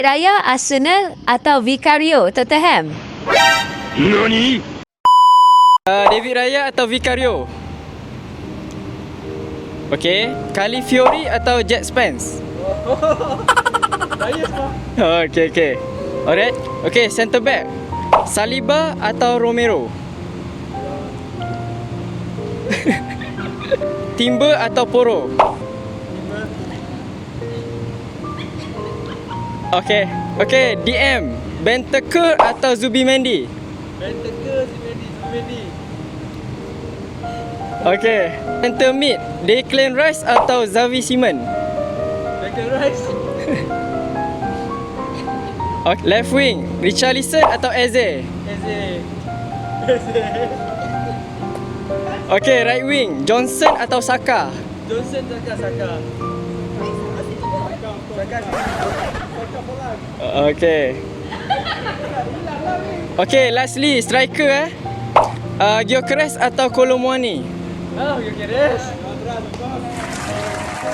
Raya, Arsenal atau Vicario, Tottenham? NANI? David Raya atau Vicario? Okey, Calafiori atau Jet Spence? Saya semua. Okey. Alright. Okey, centre back. Saliba atau Romero? Timber atau Poro? Okey, DM. Bentancur atau Zubimendi? Bentancur, Zubimendi. Okey. Center mid. Declan Rice atau Xavi Simons? Declan Rice. Okay. Left wing. Richarlison atau Eze? Eze. Okey, right wing. Johnson atau Saka? Johnson, Saka. Okey, lastly striker Gyökeres atau Kolo Muani? Gyökeres.